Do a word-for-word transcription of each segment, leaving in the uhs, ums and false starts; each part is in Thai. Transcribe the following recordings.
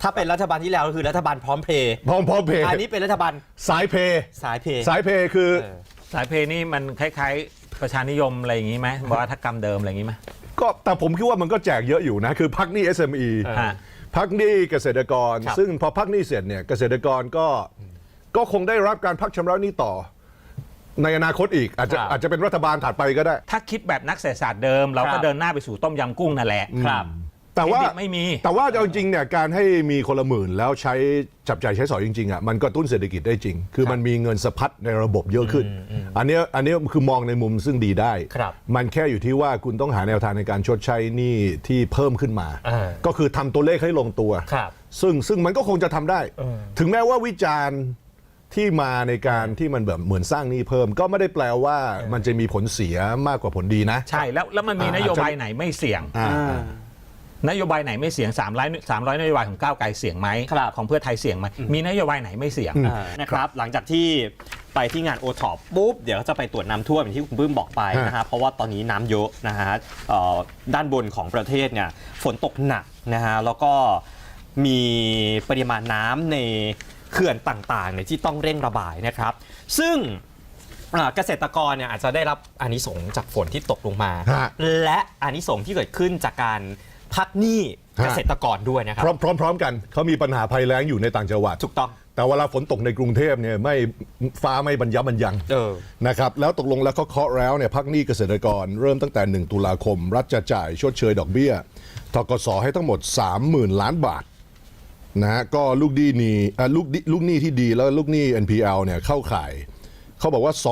ถ้าเป็นรัฐบาลที่แล้วก็คือรัฐบาลพร้อมเพย์พร้อมพร้อมเพย์อันนี้เป็นรัฐบาลสายเพย์สายเพย์สายเพย์คือสายเพย์นี่มันคล้ายๆประชานิยมอะไรอย่างนี้ไหมวัฒกรรมเดิมอะไรอย่างนี้ไหมก็แต่ผมคิดว่ามันก็แจกเยอะอยู่นะคือพักหนี้ เอส เอ็ม อี พักหนี้เกษตรกรซึ่งพอพักหนี้เสร็จเนี่ยเกษตรกรก็ก็คงได้รับการพักชำระหนี้ต่อในอนาคตอีกอาจจะอาจจะเป็นรัฐบาลถัดไปก็ได้ถ้าคิดแบบนักเศรษฐศาสตร์เดิมเราก็เดินหน้าไปสู่ต้มยำกุ้งนั่นแหละครับแต่ว่าไม่มีแต่ว่าเอาจริงเนี่ยการให้มีคนละหมื่นแล้วใช้จับจ่ายใช้สอยจริงๆอ่ะมันก็ตุ้นเศรษฐกิจได้จริงคือมันมีเงินสะพัดในระบบเยอะขึ้นอันนี้อันนี้คือมองในมุมซึ่งดีได้มันแค่อยู่ที่ว่าคุณต้องหาแนวทางในการชดใช้หนี้ที่เพิ่มขึ้นมาก็คือทำตัวเลขให้ลงตัวซึ่งซึ่งมันก็คงจะทำได้ถึงแม้ว่าวิจารณ์ที่มาในการที่มันแบบเหมือนสร้างหนี้เพิ่มก็ไม่ได้แปลว่ามันจะมีผลเสียมากกว่าผลดีนะใช่แล้วแล้วมันมีนโยบายไหนไม่เสี่ยงนโยบายไหนไม่เสี่ยงสามร้อย สามร้อยนโยบายของก้าวไกลเสี่ยงไหมของเพื่อไทยเสี่ยงไหมมีนโยบายไหนไม่เสี่ยงนะครับหลังจากที่ไปที่งานโอท็อปปุ๊บเดี๋ยวจะไปตรวจน้ำท่วมอย่างที่คุณปื้มบอกไปนะฮะเพราะว่าตอนนี้น้ำเยอะนะฮะด้านบนของประเทศเนี่ยฝนตกหนักนะฮะแล้วก็มีปริมาณน้ำในเขื่อนต่างๆเนี่ยที่ต้องเร่งระบายนะครับซึ่งเกษตรกรเนี่ยอาจจะได้รับอานิสงส์จากฝนที่ตกลงมาและอานิสงส์ที่เกิดขึ้นจากการพักหนี้เกษตรกรด้วยนะครับพร้อมๆกันเขามีปัญหาภัยแล้งอยู่ในต่างจังหวัดถูกต้องแต่เวลาฝนตกในกรุงเทพเนี่ยไม่ฟ้าไม่บรรยับบรรยังนะครับแล้วตกลงแล้วเขาเคาะแล้วเนี่ยพักหนี้เกษตรกรเริ่มตั้งแต่หนึ่งตุลาคมรัฐจะจ่ายชดเชยดอกเบี้ยธกสให้ทั้งหมด สามหมื่น ล้านบาทนะฮะก็ลูกหนี้นี่ลูกลูกหนี้ที่ดีแล้วลูกหนี้ เอ็น พี แอล เนี่ยเข้าข่ายเขาบอกว่า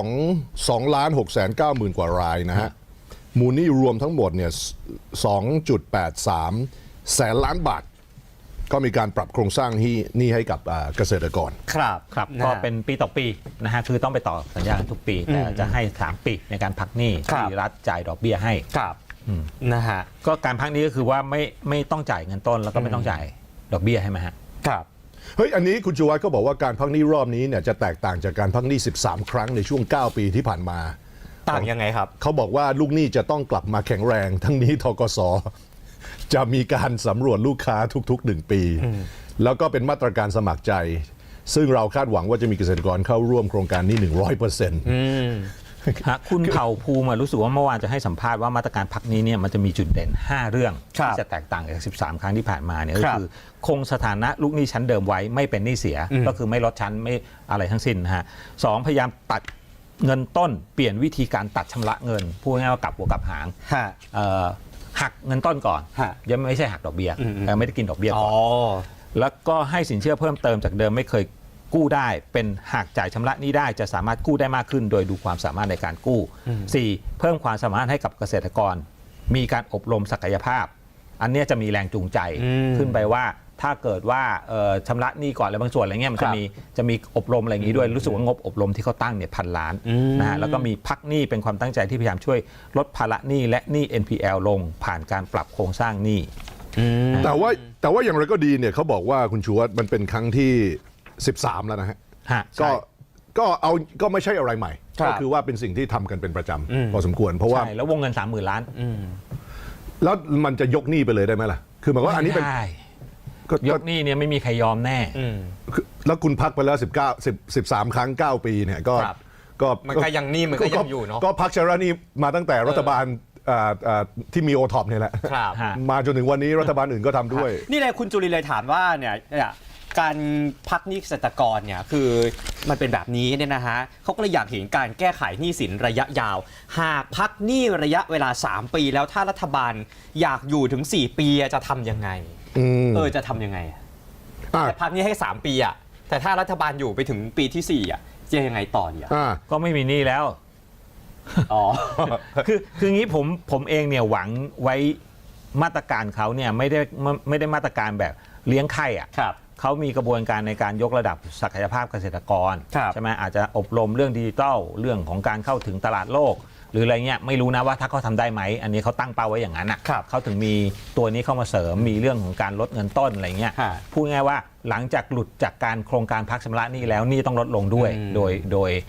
2 ล้าน หกแสนเก้าหมื่น กว่ารายนะฮะมูลหนี้รวมทั้งหมดเนี่ย สองจุดแปดสาม แสนล้านบาทก็มีการปรับโครงสร้างที่นี่ให้กับเกษตรกรครับครับก็เป็นปีต่อปีนะฮะคือต้องไปต่อสัญญาทุกปีแต่จะให้สามปีในการพักหนี้ที่รัฐจ่ายดอกเบี้ยให้ครับนะฮะก็การพักนี้ก็คือว่าไม่ไม่ต้องจ่ายเงินต้นแล้วก็ไม่ต้องจ่ายดอกเบี้ยให้ไหมฮะครับเฮ้ยอันนี้คุณชูวัฒน์ก็บอกว่าการพักหนี้รอบนี้เนี่ยจะแตกต่างจากการพักหนี้สิบสามครั้งในช่วงเก้าปีที่ผ่านมาต่างยังไงครับเขาบอกว่าลูกหนี้จะต้องกลับมาแข็งแรงทั้งนี้ธกสจะมีการสำรวจลูกค้าทุกๆหนึ่งปีแล้วก็เป็นมาตรการสมัครใจซึ่งเราคาดหวังว่าจะมีเกษตรกรเข้าร่วมโครงการนี้ หนึ่งร้อยเปอร์เซ็นต์คุณเผ่าภูมิรู้สึกว่าเมื่อวานจะให้สัมภาษณ์ว่ามาตรการพักนี้เนี่ยมันจะมีจุดเด่นห้าเรื่องที่จะแตกต่างจากสิบสามครั้งที่ผ่านมาเนี่ยก็คือคงสถานะลูกหนี้ชั้นเดิมไว้ไม่เป็นหนี้เสียก็คือไม่ลดชั้นไม่อะไรทั้งสิ้นนะฮะสองพยายามตัดเงินต้นเปลี่ยนวิธีการตัดชำระเงินพูดง่ายๆว่ากลับหัวกลับหางหักเงินต้นก่อนยังไม่ใช่หักดอกเบี้ยไม่ได้กินดอกเบี้ยก่อนแล้วก็ให้สินเชื่อเพิ่มเติมจากเดิมไม่เคยกู้ได้เป็นหากจ่ายชำระหนี้ได้จะสามารถกู้ได้มากขึ้นโดยดูความสามารถในการกู้ สี่. เพิ่มความสามารถให้กับเกษตรกรมีการอบรมศักยภาพอันนี้จะมีแรงจูงใจขึ้นไปว่าถ้าเกิดว่าชำระหนี้ก่อนอะไรบางส่วนอะไรเงี้ยมันจะมีจะมีอบรมอะไรอย่างนี้ด้วยรู้สึกว่างบอบรมที่เขาตั้งเนี่ยพันล้านนะฮะแล้วก็มีพักหนี้เป็นความตั้งใจที่พยายามช่วยลดภาระหนี้และหนี้ เอ็น พี แอล ลงผ่านการปรับโครงสร้างหนี้แต่ว่าแต่ว่าอย่างไรก็ดีเนี่ยเขาบอกว่าคุณชูวัฒน์มันเป็นครั้งที่สิบสามแล้วนะฮะก็ก็เอาก็ไม่ใช่อะไรใหม่ก็คือว่าเป็นสิ่งที่ทำกันเป็นประจำพอสมควรเพราะว่าแล้ววงเงินสามหมื่นล้านแล้วมันจะยกหนี้ไปเลยได้ไหมล่ะคือหมายว่าอันนี้เป็นยกหนี้เนี่ยไม่มีใครยอมแน่แล้วคุณพักไปแล้วสิบเก้า สิบ สิบสามครั้งเก้าปีเนี่ยก็ก็มันก็ยังหนี้มันก็ยังอยู่เนาะก็พักชำระหนี้มาตั้งแต่รัฐบาลที่มีโอท็อปเนี่ยแหละมาจนถึงวันนี้รัฐบาลอื่นก็ทำด้วยนี่เลยคุณจุลินเลยถามว่าเนี่ยการพักหนี้เกษตรกรเนี่ยคือมันเป็นแบบนี้เนี่ยนะฮะเขาก็เลยอยากเห็นการแก้ไขหนี้สินระยะยาวหากพักหนี้ระยะเวลาสามปีแล้วถ้ารัฐบาลอยากอยู่ถึงสี่ปีจะทำยังไงเออจะทำยังไงแต่พักหนี้ให้สามปีอ่ะแต่ถ้ารัฐบาลอยู่ไปถึงปีที่สี่อ่ะจะยังไงต่อเนี่ยก็ไม่มีหนี้แล้วอ๋อคือคืองี้ผมผมเองเนี่ยหวังไว้มาตรการเขาเนี่ยไม่ได้ไม่ได้มาตรการแบบเลี้ยงไข่อ่ะเขามีกระบวนการในการยกระดับศักยภาพเกษตรกรใช่ไหมอาจจะอบรมเรื่องดิจิทัลเรื่องของการเข้าถึงตลาดโลกหรืออะไรเงี้ยไม่รู้นะว่าถ้าเขาทำได้ไหมอันนี้เขาตั้งเป้าไว้อย่างนั้นอ่ะเขาถึงมีตัวนี้เข้ามาเสริมมีเรื่องของการลดเงินต้นอะไรเงี้ยพูดง่ายว่าหลังจากหลุดจากการโครงการพักชำระหนี้แล้วหนี้ต้องลดลงด้วยโดยโดยโ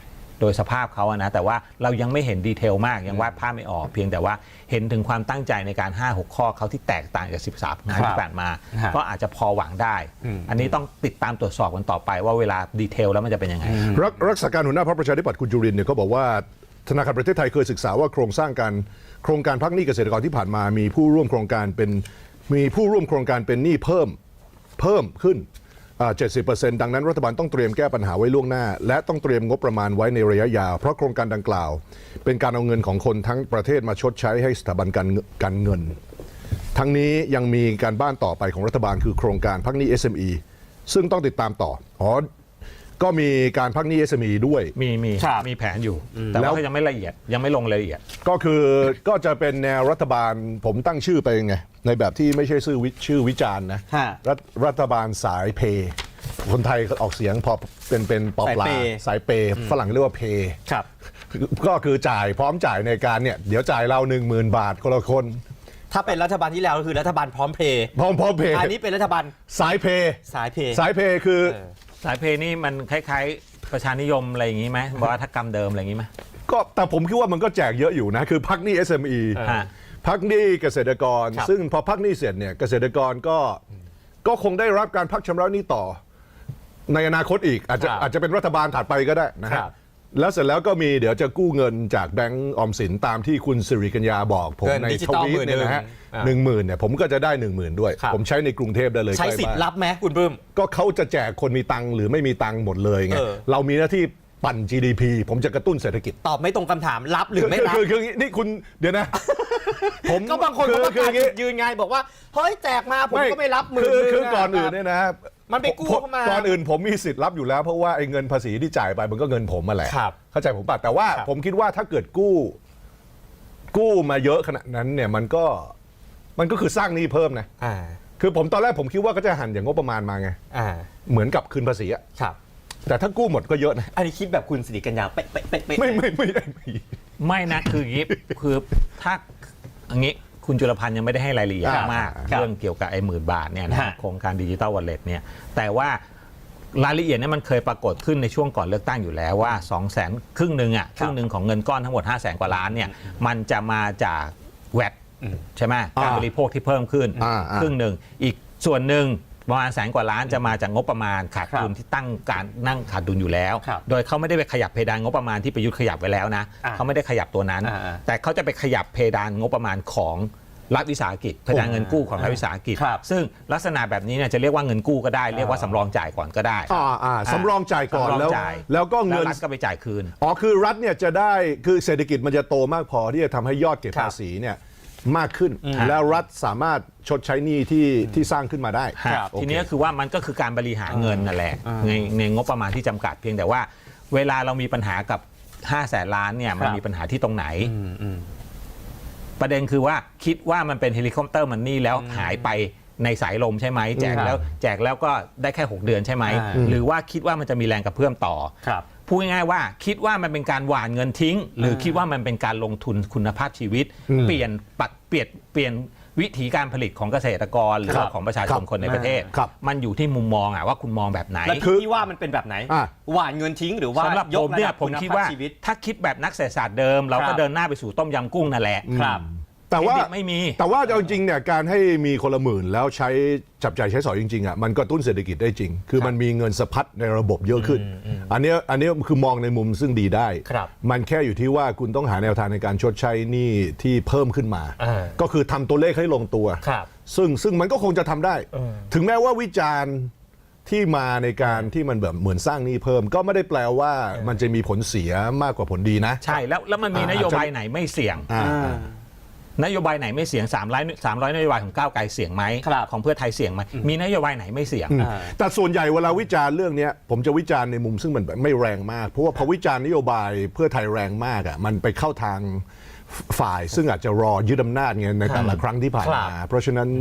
โดยสภาพเขาอะนะแต่ว่าเรายังไม่เห็นดีเทลมากยังวาดภาพไม่ออกเพียงแต่ว่าเห็นถึงความตั้งใจในการ ห้าหก ข้อเขาที่แตกต่างจากสิบสามงานที่ผ่านมาก็อาจจะพอหวังได้อันนี้ต้องติดตามตรวจสอบกันต่อไปว่าเวลาดีเทลแล้วมันจะเป็นยังไงรักรักษาการหัวหน้าพรรคประชาธิปัตย์คุณจุรินทร์เนี่ยเขาบอกว่าธนาคารประเทศไทยเคยศึกษาว่าโครงสร้างการโครงการพักหนี้เกษตรกรที่ผ่านมามีผู้ร่วมโครงการเป็นมีผู้ร่วมโครงการเป็นหนี้เพิ่มเพิ่มขึ้นเจ็ดสิบเปอร์เซ็นต์ดังนั้นรัฐบาลต้องเตรียมแก้ปัญหาไว้ล่วงหน้าและต้องเตรียมงบประมาณไว้ในระยะยาวเพราะโครงการดังกล่าวเป็นการเอาเงินของคนทั้งประเทศมาชดใช้ให้สถาบันการการเงินทั้งนี้ยังมีการบ้านต่อไปของรัฐบาลคือโครงการพักหนี้ เอส เอ็ม อี ซึ่งต้องติดตามต่ออ๋อก็มีการพักหนี้ เอส เอ็ม อี ด้วยมีมีครับมีแผนอยู่แต่ว่าเขายังไม่ละเอียดยังไม่ลงรายละเอียดก็คือก็จะเป็นแนวรัฐบาลผมตั้งชื่อไปไงในแบบที่ไม่ใช่ชื่อวิชื่อวิจารณ์นะฮะรัฐรัฐบาลสายเพย์คนไทยออกเสียงพอเป็นเป็นปอปลาสายเปย์สายเปย์ฝรั่งเรียกว่าเพย์ครับก็คือจ่ายพร้อมจ่ายในการเนี่ยเดี๋ยวจ่ายเราหนึ่งหมื่นบาทคนละคนถ้าเป็นรัฐบาลที่แล้วก็คือรัฐบาลพร้อมเพย์พร้อมพร้อมเพย์อันนี้เป็นรัฐบาลสายเพย์สายเพย์สายเพย์คือเออสายเพย์นี่มันคล้ายๆประชานิยมอะไรอย่างนี้ไหมวัฒกรรมเดิมอะไรอย่างนี้ไหมก็แต่ผมคิดว่ามันก็แจกเยอะอยู่นะคือพักหนี้ เอส เอ็ม อีฮะพักหนี้เกษตรกรครับซึ่งพอพักหนี้เสร็จเนี่ยเกษตรกรก็ก็คงได้รับการพักชำระหนี้ต่อในอนาคตอีกอาจจะครับอาจจะเป็นรัฐบาลถัดไปก็ได้นะคครัรับบ แล้วเสร็จแล้วก็มีเดี๋ยวจะกู้เงินจากแบงก์ออมสินตามที่คุณสิริกัญญาบอกผมเงินในดิจิทตอลวีตเนี่ยนะฮะหมื่นหนึ่งหนึ่งหมื่นเนี่ยผมก็จะได้หนึ่งหมื่นด้วยครับผมใช้ในกรุงเทพได้เลยใช้ใกล้สิทธิ์บ้านรับไหมคุณบึ้มก็เขาจะแจกคนมีตังค์หรือไม่มีตังค์หมดเลยไงเออเรามีหน้าที่ปั่น จี ดี พี ผมจะกระตุ้นเศรษฐกิจตอบไม่ตรงคำถามรับหรือไม่รับคือคือคือนี่คุณเดี๋ยวนะ ผมก็บางคนเขาประคืกาศออย่างงี้จุดยืนไงบอกว่าเฮ้ยแจกมาผมก็ไม่รับหมื่นคือหนึ่งคือก่อนะอื่นเนี่ยนะมันไปกู้ผมเข้ามาก่อนอื่นผมมีสิทธิ์รับอยู่แล้วเพราะว่าไอ้เงินภาษีที่จ่ายไปมันก็เงินผมมาแหละครับเข้าใจผมป่ะแต่ว่าครับผมคิดว่าถ้าเกิดกู้ กู้มาเยอะขนาดนั้นเนี่ยมันก็มันก็คือสร้างหนี้เพิ่มนะอ่าคือผมตอนแรกผมคิดว่าก็จะหันอย่างงบประมาณมาไงอ่าเหมือนกับคืนภาษีอะครับแต่ถ้ากู้หมดก็เยอะนะอันนี้คิดแบบคุณสิริกัญญาเป๊ะเป๊ะเป๊ะเป๊ะไม่ไม่ไม่ได้ไม่ไม่นะคืออย่างนี้ คือถ้าอย่างนี้คุณจุลพันธ์ยังไม่ได้ให้รายละเอียดครับมากครับเรื่องเกี่ยวกับไอ้หมื่นบาทเนี่ยนะฮะโครงการดิจิตอลวอลเล็ตเนี่ยแต่ว่ารายละเอียดเนี่ยมันเคยปรากฏขึ้นในช่วงก่อนเลือกตั้งอยู่แล้วว่า2องแสนครึ่งหนึ่งอ่ะครึ่งหนึ่งของเงินก้อนทั้งหมด ห้าแสนกว่าล้านเนี่ยมันจะมาจากแวดใช่ไหมการบริโภคที่เพิ่มขึ้นอ่าอ่าครึ่งหนึ่งอีกส่วนหนึ่งประมาณแสนกว่าล้านจะมาจากงบประมาณขาดดุลครับที่ตั้งการนั่งขาดดุลอยู่แล้วครับโดยเขาไม่ได้ไปขยับเพดานงบประมาณที่ประยุทธ์ขยับไว้แล้วนะอ่าเขาไม่ได้ขยับตัวนั้นอ่าแต่เขาจะไปขยับเพดานงบประมาณของรัฐวิสาหกิจเพดานเงินกู้ของรัฐวิสาหกิจครับซึ่งลักษณะแบบนี้เนี่ยจะเรียกว่าเงินกู้ก็ได้เรียกว่าสำรองจ่ายก่อนก็ได้อ่าอ่าสำรองจ่ายก่อนสำรแล้วจ่ายแล้วก็เงินแรัฐก็ไปจ่ายคืนอ๋อคือรัฐเนี่ยจะได้คือเศรษฐกิจมันจะโตมากพอที่จะทำให้ยอดเก็บครับภาษีเนี่ยมากขึ้น แล้วรัฐสามารถชดใช้หนี้ที่ที่สร้างขึ้นมาได้ครับโอเคทีนี้ก็คือว่ามันก็คือการบริหารเงินนั่นแหละในในงบประมาณที่จำกัดเพียงแต่ว่า เวลาเรามีปัญหากับห้าแสนล้านเนี่ยมันครับมีปัญหาที่ตรงไหนอืมอืมประเด็นคือว่าคิดว่ามันเป็นเฮลิคอปเตอร์มันนี่แล้วหายไปในสายลมใช่ไหมแจกแล้วแจกแล้วก็ได้แค่หกเดือนใช่ไหมอ่าหรือว่าคิดว่ามันจะมีแรงกระเพื่อมต่อครับพูดง่ายๆว่าคิดว่ามันเป็นการหว่านเงินทิ้ง หรือคิดว่ามันเป็นการลงทุนคุณภาพชีวิต เปลี่ยนปัดเปลี่ยนเปลี่ยนวิธีการผลิตของเกษตรกรหรือว่าของประชาชนคนในประเทศครับมันอยู่ที่มุมมองอะว่าคุณมองแบบไหนแล้วคือที่ว่ามันเป็นแบบไหนอ่ะหวานเงินทิ้งหรือว่าสำหรับยผกมระเนี่ดัยบผมคุณคิดภาพว่าชีวิตถ้าคิดแบบนักเศรษฐศาสตร์เดิม เราครัก็บเดินหน้าไปสู่ต้มยำกุ้งนั่นแหละครับแต่ว่าเครดิตไม่มีแต่ว่าเอาจริงเนี่ยการให้มีคนละหมื่นแล้วใช้จับจ่ายใช้สอยจริงๆอ่ะมันกระตุ้นเศรษฐกิจได้จริง คือมันมีเงินสะพัดในระบบเยอะขึ้น อันเนี้ยอันเนี้ยคือมองในมุมซึ่งดีได้ครับมันแค่อยู่ที่ว่าคุณต้องหาแนวทางในการชดใช้หนี้ที่เพิ่มขึ้นมาอ่าก็คือทำตัวเลขให้ลงตัวครับซึ่งซึ่งมันก็คงจะทำได้เออถึงแม้ว่าวิจารณ์ที่มาในการที่มันแบบเหมือนสร้างหนี้เพิ่ม ก็ไม่ได้แปลว่ามันจะมีผลเสียมากกว่าผลดีนะใช่แล้วแล้วมันมีอ่านโยบายไหนไม่เสี่ยงอ่าอ่านโยบายไหนไม่เสี่ยง3 0 0 300นโยบายของก้าวไกลเสี่ยงไหมครับของเพื่อไทยเสี่ยงไหมมีนโยบายไหนไม่เสี่ยงอ่าแต่ส่วนใหญ่เวลาวิจารณ์เรื่องเนี้ยผมจะวิจารณ์ในมุมซึ่งมันแบบไม่แรงมาก เพราะว่าพอวิจารณ์นโยบายเพื่อไทยแรงมากอ่ะมันไปเข้าทางฝ่ายซึ่งอาจจะรอยึดอำนาจไงในแต่ละครั้งที่ผ่านมา เพราะฉะนั้น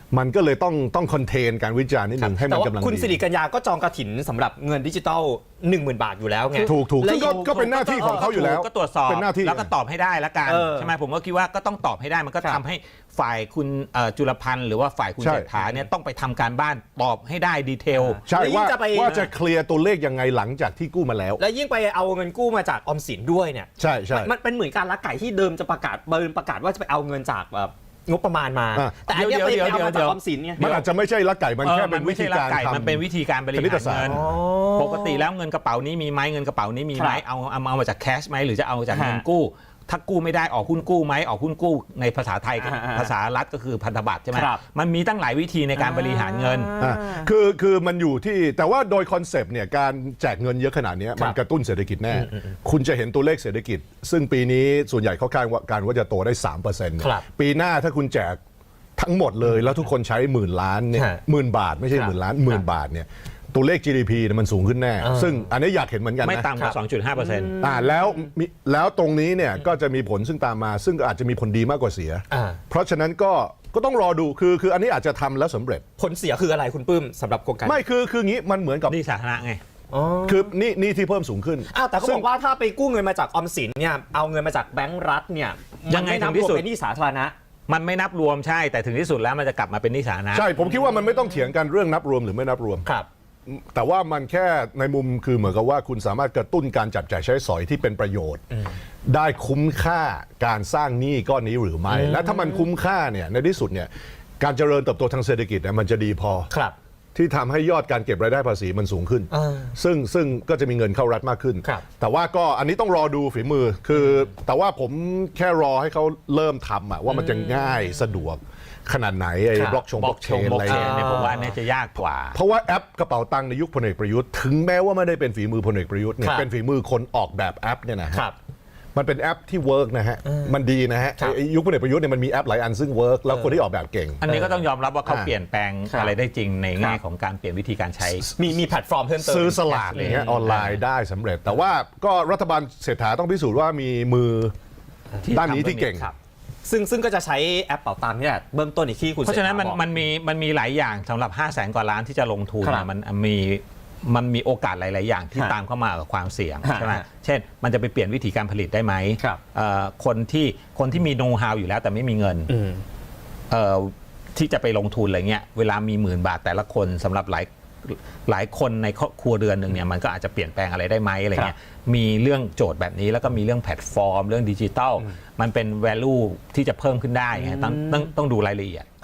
มันก็เลยต้องต้องคอนเทนการวิจารณ์นิดนึงให้มันกำลังดีแต่ว่าคุณสิริกัญญาก็จองกฐินสำหรับเงินดิจิทัล หนึ่งหมื่น บาทอยู่แล้วไงถูกถูกและซึ่งก็ก็เป็นหน้าที่ของเขาอยู่แล้วก็ตรวจสอบเป็นหน้าที่แล้วก็ตอบให้ได้ละกันเออใช่ไหมผมก็คิดว่าก็ต้องตอบให้ได้มันก็ครับทำให้ฝ่ายคุณเอ่อจุลพันธ์หรือว่าฝ่ายคุณใช่เศรษฐาเนี่ยต้องไปทำการบ้านตอบให้ได้ดีเทลใช่แล้วยิ่ว่างจะไปว่าจะเคลียร์ตัวเลขยังไงหลังจากที่กู้มาแล้วแล้วยิ่งไปเอาเงินกู้มาจากออมสินด้วยเนี่ยใช่ใช่มันเป็นเหมือนการลักไก่ที่เดิมจะประกาศเบิร์นประกาศว่าจะไปเอาเงินจากแบบงบประมาณมาอ่ะแต่อันเนี้ยไปเดี๋ยวไปเอามาเดี๋จากยวออมสินเนี่ยมันอาจจะไม่ใช่ลักไก่มันเออแค่เป็นมัวิไม่ธีใช่ลัการไก่ทำมันเป็นวิธีการบริคณิหาตรศาสตเงิร์นอ๋อปกติแล้วเงินกระเป๋านี้มีไหมเงินกระเป๋านี้มีไหมครับเอาเอาเอามาจากแคชไหมหรือจะเอาจากเงินฮะกู้ ถ้ากู้ไม่ได้ออกหุ้นกู้ไหมออกหุ้นกู้ในภาษาไทยก็อ่าอ่าภาษารัฐก็คือพันธบัตรใช่ไหมครับมันมีตั้งหลายวิธีในการบริหารเงินอ่ะคือคือมันอยู่ที่แต่ว่าโดยคอนเซปต์เนี่ยการแจกเงินเยอะขนาดเนี้ยมันกระตุ้นเศรษฐกิจแน่ คุณจะเห็นตัวเลขเศรษฐกิจ ซึ่งปีนี้ส่วนใหญ่เขาคาดว่าการว่าจะโตได้ สามเปอร์เซ็นต์ครับปีหน้าถ้าคุณแจกทั้งหมดเลยแล้วทุกคนใช้หมื่นล้านเนี่ยฮะหมื่นบาทไม่ใช่ครับหมื่นล้านหมื่นบาทเนี่ยตัวเลข จี ดี พี เนี่ยมันสูงขึ้นแน่อ่าซึ่งอันนี้อยากเห็นเหมือนกันไม่นะต่ำกว่า สองจุดห้าเปอร์เซ็นต์อ่าแล้วมีแล้วตรงนี้เนี่ยก็จะมีผลซึ่งตามมา ซึ่งอาจจะมีผลดีมากกว่าเสียอ่าเพราะฉะนั้นก็ก็ต้องรอดูคือคืออันนี้อาจจะทำแล้วสำเร็จผลเสียคืออะไรคุณปื้มสำหรับโครงการไม่คือคืองี้มันเหมือนกับนี่สาธารณะไงอ๋อคือนี่นี่ที่เพิ่มสูงขึ้นอ้าวแต่เขาซึ่บงอกว่าถ้าไปกู้เงินมาจากออมสินเนี่ยเอาเงินมาจากแบงก์รัฐเนี่ยยังไงมันม่นับถึงที่สุดรวมเป็นหนี้สาธารณะมันไม่นับรวมใช่แต่ถึงที่สุดแล้วมันจะกลับมาเป็นหนิสาธารณะใช่ผมคิดว่ามันไม่ต้องเถียงกันเรื่องนับรวมหรือไม่นับรวมครับแต่ว่ามันแค่ในมุมคือเหมือนกับว่าคุณสามารถกระตุ้นการจับจ่ายใช้สอยที่เป็นประโยชน์ ได้คุ้มค่าการสร้างหนี้ก้อนนี้หรือไม่ และถ้ามันคุ้มค่าเนี่ยในที่สุดเนี่ยการเจริญเติบโตทางเศรษฐกิจเนี่ยมันจะดีพอครับที่ทำให้ยอดการเก็บรายได้ภาษีมันสูงขึ้นอ่าซึ่งซึ่งก็จะมีเงินเข้ารัฐมากขึ้นครับแต่ว่าก็อันนี้ต้องรอดูฝีมือคือ แต่ว่าผมแค่รอให้เขาเริ่มทำอะว่ามันจะง่ายสะดวกขนาดไหนไอ้ครับบล็อกชงบล็อกเชนบล็อะอกไรเชนเนี่ยเนี่ยผมว่าอันเนี้ยจะยากกว่าเพราะว่าแอปกระเป๋าตังค์ในยุคพลเอกประยุทธ์ถึงแม้ว่าไม่ได้เป็นฝีมือพลเอกประยุทธ์เนี่ยครับเป็นฝีมือคนออกแบบแอปเนี่ยนะฮะครับมันเป็นแอปที่เวิร์กนะฮะมันดีนะฮะครับไอ้ยุคพลเอกประยุทธ์เนี่ยมันมีแอปหลายอันซึ่งเวิร์กแล้วคนที่ออกแบบเก่งอันนี้ก็ต้องยอมรับว่าเขาอ่าเปลี่ยนแปลงครับอะไรได้จริงในแง่ครับของการเปลี่ยนวิธีการใช้มีมีแพลตฟอร์มเพิ่มเติมซื้อสลากอย่างเงี้ยออนไลน์ได้สำเร็จ แต่ว่าก็รัฐบาลเศรษฐาต้องพิสูจน์ว่ามีมือที่ด้านนี้ทำที่เก่งครับซึ่งซึ่งก็จะใช้แอปเป๋าตังค์เนี่ยเบื้องต้นอีกที่คุณเพราะฉะนั้นมันศษฐบอกมันมีมันมีหลายอย่างสำหรับ ห้าแสนกว่าล้านที่จะลงทุนครับนะมันมีมันมีโอกาสหลาย ๆ อย่างที่ฮะตามเข้ามากับความเสี่ยงฮะใช่ไหมฮะเช่น มันจะไปเปลี่ยนวิธีการผลิตได้ไหมครับเอ่อคนที่คนที่มีโน้ตฮาวอยู่แล้วแต่ไม่มีเงินอืมเอ่อที่จะไปลงทุนอะไรเงี้ยเวลามีหมื่นบาทแต่ละคนสำหรับหลายหลายคนในครอบครัวเรือนหนึ่งเนี่ยมันก็อาจจะเปลี่ยนแปลงอะไรได้ไหมอะไรเงี้ยมีเรื่องโจทย์แบบนี้แล้วก็มีเรื่องแพลตฟอร์ม เรื่องดิจิทัลมันเป็น value ที่จะเพิ่มขึ้นได้ไงต้องต้องต้องดูรายละเอียด